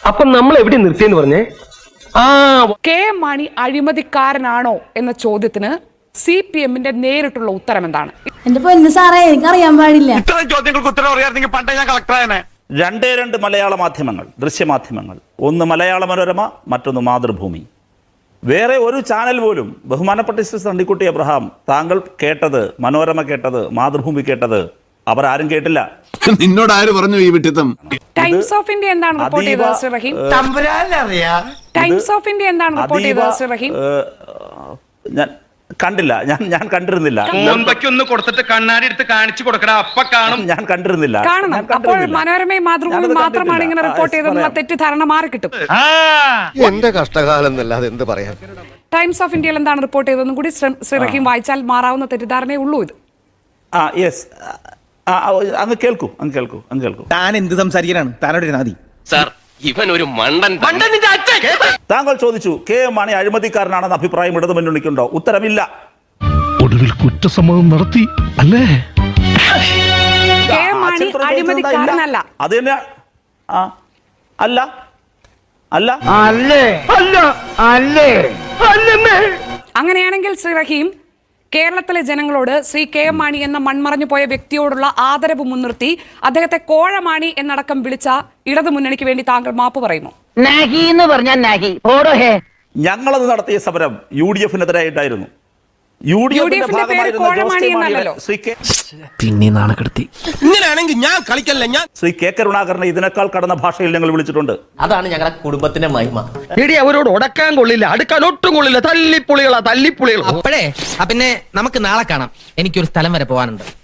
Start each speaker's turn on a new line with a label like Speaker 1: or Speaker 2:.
Speaker 1: അപ്പൊ നമ്മൾ എവിടെ നിർത്തിയെന്ന് പറഞ്ഞേ?
Speaker 2: കെ എം മാണി അഴിമതിക്കാരനാണോ എന്ന ചോദ്യത്തിന് CPM-ന്റെ നേരിട്ടുള്ള ഉത്തരം എന്താണ്?
Speaker 3: എന്റെ പൊന്നു സാറേ, എനിക്കറിയാൻ പാടില്ല.
Speaker 4: ഇത്തരം ചോദ്യങ്ങൾക്ക് ഉത്തരം അറിയാമെങ്കിൽ പണ്ടേ ഞാൻ കളക്ടറായനെ.
Speaker 5: രണ്ട് മലയാള മാധ്യമങ്ങൾ, ദൃശ്യമാധ്യമങ്ങൾ, ഒന്ന് മലയാള മനോരമ, മറ്റൊന്ന് മാതൃഭൂമി. വേറെ ഒരു ചാനൽ പോലും ബഹുമാനപ്പെട്ട മിസ്റ്റർ സണ്ണിക്കുട്ടി അബ്രഹാം, താങ്കൾ കേട്ടത്, മനോരമ കേട്ടത്, മാതൃഭൂമി കേട്ടത്, അവർ ആരും കേട്ടില്ല.
Speaker 6: നിന്നോട് ആര് പറഞ്ഞു ഈ വിട്ടിത്തം?
Speaker 2: ടൈംസ് ഓഫ് ഇന്ത്യ എന്താണ് റിപ്പോർട്ട് ചെയ്തത് Shri Rahim? Times of India എന്താണ് റിപ്പോർട്ട് ചെയ്തത് ശ്രീ റഹീം?
Speaker 5: ഞാൻ കണ്ടില്ല, ഞാൻ കണ്ടിരുന്നില്ല.
Speaker 4: ഒന്ന് കൊടുത്തിട്ട് കണ്ണാടി എടുത്ത് കാണിച്ചു കൊടുക്കടാ, അപ്പ കാണും.
Speaker 5: ഞാൻ കണ്ടിരുന്നില്ല.
Speaker 2: കാണണം. അപ്പോൾ മനോരമയും മാതൃഭൂമിയും മാത്രമാണ് ഇങ്ങനെ റിപ്പോർട്ട് ചെയ്തെന്നുള്ള തെറ്റിദ്ധാരണ മാറി കിട്ടും.
Speaker 7: എന്റെ കഷ്ടകാലം എന്നല്ലാതെ എന്ത് പറയാൻ.
Speaker 2: ടൈംസ് ഓഫ് ഇന്ത്യയിൽ എന്താണ് റിപ്പോർട്ട് ചെയ്തതെന്നും കൂടി ശ്രീ റഹീം വായിച്ചാൽ മാറാവുന്ന തെറ്റിദ്ധാരണയേ ഉള്ളൂ ഇത്.
Speaker 5: യെസ്, അങ്ങ് കേൾക്കൂ.
Speaker 8: താൻ എന്ത് സംസാരിക്കാനാണ്? താനോട് നാദി
Speaker 1: സാർ, ഇവൻ ഒരു മണ്ടൻ.
Speaker 5: താങ്കൾ ചോദിച്ചു കെ എം മാണി അഴിമതിക്കാരനാണെന്ന അഭിപ്രായം ഇടതു മുന്നണിക്കുണ്ടോ? ഉത്തരമില്ല.
Speaker 9: ഒടുവിൽ കുറ്റസമ്മതം നടത്തി അല്ലേ?
Speaker 2: കെ എം മാണി അഴിമതിക്കാരനല്ല.
Speaker 5: അത് തന്നെ അല്ല.
Speaker 2: അങ്ങനെയാണെങ്കിൽ ശ്രീ റഹീം, കേരളത്തിലെ ജനങ്ങളോട് ശ്രീ കെ എം മാണി എന്ന മൺമറഞ്ഞു പോയ വ്യക്തിയോടുള്ള ആദരവ് മുൻനിർത്തി അദ്ദേഹത്തെ കോഴമാണി എന്നടക്കം വിളിച്ച ഇടതു മുന്നണിക്ക് വേണ്ടി താങ്കൾ മാപ്പ് പറയുമോ?
Speaker 5: ഞങ്ങളത് നടത്തിയ സമരം UDF-നെതിരായിട്ടായിരുന്നു.
Speaker 2: UDF-ന്റെ പേര് കോഴമാണി എന്നല്ലല്ലോ.
Speaker 9: പിന്നെ നാണക്കെടുത്തി.
Speaker 8: ഇങ്ങനെയാണെങ്കിൽ ഞാൻ കളിക്കല്ല. ഞാൻ
Speaker 5: ശ്രീ കെ കരുണാകരനെ ഇതിനേക്കാൾ കടന്ന ഭാഷയിൽ ഞങ്ങൾ വിളിച്ചിട്ടുണ്ട്.
Speaker 1: അതാണ് ഞങ്ങളുടെ കുടുംബത്തിന്റെ മഹിമ. എടി, അവരോട് ഉടക്കാൻ കൊള്ളില്ല, അടുക്കാൻ ഒട്ടും കൊള്ളില്ല. തല്ലിപ്പുളികളാ.
Speaker 10: അപ്പോഴേ പിന്നെ നമുക്ക് നാളെ കാണാം. എനിക്കൊരു സ്ഥലം വരെ പോകാനുണ്ട്.